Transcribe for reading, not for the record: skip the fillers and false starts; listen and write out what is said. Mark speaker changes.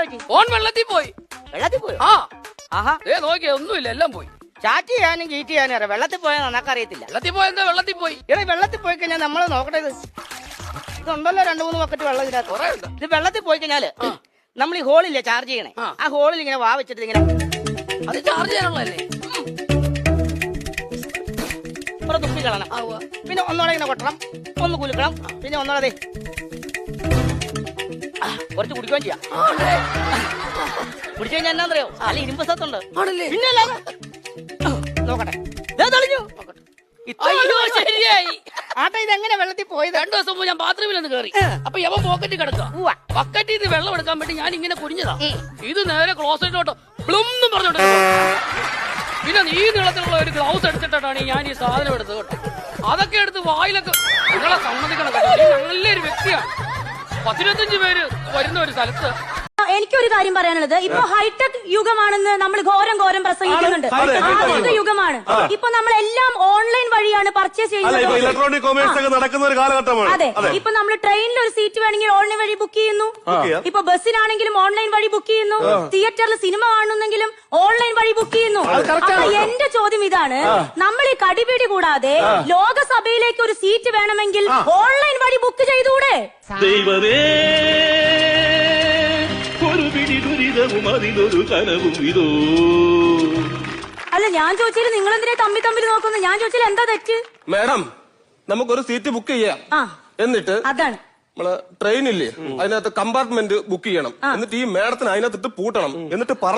Speaker 1: Phone വെള്ളത്തിൽ പോയി. ആ
Speaker 2: ആഹാ
Speaker 1: നോക്കിയ ഒന്നുമില്ല, എല്ലാം പോയി.
Speaker 2: ചാറ്റ് ചെയ്യാനും ഗീറ്റ് ചെയ്യാനും അറിയാം, വെള്ളത്തിൽ പോയാൽ നന്നാക്കറിയത്തില്ല.
Speaker 1: വെള്ളത്തിൽ പോയെന്താ? വെള്ളത്തിൽ പോയി.
Speaker 2: ഇവിടെ വെള്ളത്തിൽ പോയി കഴിഞ്ഞാൽ നമ്മള് നോക്കട്ടെ, ഇതുണ്ടല്ലോ 2-3 ബക്കറ്റ് വെള്ളം ഇതിനകത്ത്. ഇത് വെള്ളത്തിൽ പോയി കഴിഞ്ഞാല് നമ്മൾ ഈ ഹോളില്ലേ ചാർജ് ചെയ്യണേ, ആ ഹോളിൽ ഇങ്ങനെ വാ വെച്ചിട്ട് ഇങ്ങനെ
Speaker 1: അത് ചാർജ് ചെയ്യാനുള്ളതല്ലേ?
Speaker 2: തുപ്പി കളണം. പിന്നെ ഒന്നോടെ ഇങ്ങനെ കൊട്ടണം, ഒന്ന് കുലുക്കണം, പിന്നെ ഒന്നോടെ കുറച്ച് കുടിക്കുകയും ചെയ്യാം. കുടിച്ചു കഴിഞ്ഞാൽ എന്നാന്നറിയോ, നല്ല ഇരുമ്പ് സത്തുണ്ട്. പിന്നെ നോക്കട്ടെ, തെളിഞ്ഞു.
Speaker 1: ശരിയായി.
Speaker 2: ആട്ടെ, ഇതെങ്ങനെ വെള്ളത്തിൽ പോയത്?
Speaker 1: 2 ദിവസം മുമ്പ് ഞാൻ ബാത്റൂമിൽ ഒന്ന് കയറി. അപ്പൊ യവൻ പോക്കറ്റിൽ കിടക്കുക. ബക്കറ്റിൽ നിന്ന് വെള്ളം എടുക്കാൻ വേണ്ടി ഞാൻ ഇങ്ങനെ കുനിഞ്ഞതാ. ഇത് നേരെ ക്ലോസറ്റിലോട്ട് ബ്ലും പറഞ്ഞോട്ട്. പിന്നെ ഈ നീളത്തിലുള്ള ഒരു ഗ്ലൗസ് എടുത്തിട്ടാണ് ഞാൻ ഈ സാധനം എടുത്തത് കേട്ടോ. അതൊക്കെ എടുത്ത് വായിലൊക്കെ. നിങ്ങളെ സമ്മതിക്കണം, നല്ലൊരു വ്യക്തിയാണ്. 15 പേര് വരുന്ന ഒരു സ്ഥലത്ത്.
Speaker 3: എനിക്കൊരു കാര്യം പറയാനുള്ളത്, ഇപ്പൊ ഹൈടെക് യുഗമാണെന്ന് നമ്മൾ ഘോരം പ്രസംഗിക്കുന്നുണ്ട്. ആധുനിക യുഗമാണ്. ഇപ്പൊ നമ്മളെല്ലാം ഓൺലൈൻ വഴിയാണ് പർച്ചേസ് ചെയ്യുന്നത്.
Speaker 4: ഇലക്ട്രോണിക് കൊമേഴ്സ് ഒക്കെ നടക്കുന്ന ഒരു കാലഘട്ടമാണ്.
Speaker 3: അതെ, ഇപ്പൊ നമ്മൾ ട്രെയിനിൽ ഒരു സീറ്റ് വേണമെങ്കിൽ ഓൺലൈൻ വഴി ബുക്ക് ചെയ്യുന്നു. ഇപ്പൊ ബസ്സിനാണെങ്കിലും ഓൺലൈൻ വഴി ബുക്ക് ചെയ്യുന്നു. തിയേറ്ററിൽ സിനിമ കാണുന്നെങ്കിലും ഓൺലൈൻ വഴി ബുക്ക് ചെയ്യുന്നു. അപ്പൊ എന്റെ ചോദ്യം ഇതാണ്, നമ്മൾ ഈ കടിപിടി കൂടാതെ ലോകസഭയിലേക്ക് ഒരു സീറ്റ് വേണമെങ്കിൽ ഓൺലൈൻ വഴി ബുക്ക് ചെയ്തുകൂടെ?
Speaker 5: ദൈവമേ, ഒരു പിടി ദുരിതവും അതിലൊരു കനവും ഇതോ.
Speaker 3: അല്ല, ഞാൻ ചോദിച്ചാൽ നിങ്ങൾ എന്തിനാ തമ്മിൽ നോക്കുന്നു? ഞാൻ ചോദിച്ചാൽ എന്താ തെറ്റ്?
Speaker 4: മാഡം, നമുക്കൊരു സീറ്റ് ബുക്ക് ചെയ്യാം. എന്നിട്ട്
Speaker 3: അതാണ്
Speaker 4: നമ്മള് ട്രെയിനില്ലേ, അതിനകത്ത് കമ്പാർട്ട്മെന്റ് ബുക്ക് ചെയ്യണം. എന്നിട്ട് ഈ മാഡത്തിന് അതിനകത്തിട്ട് പൂട്ടണം. എന്നിട്ട്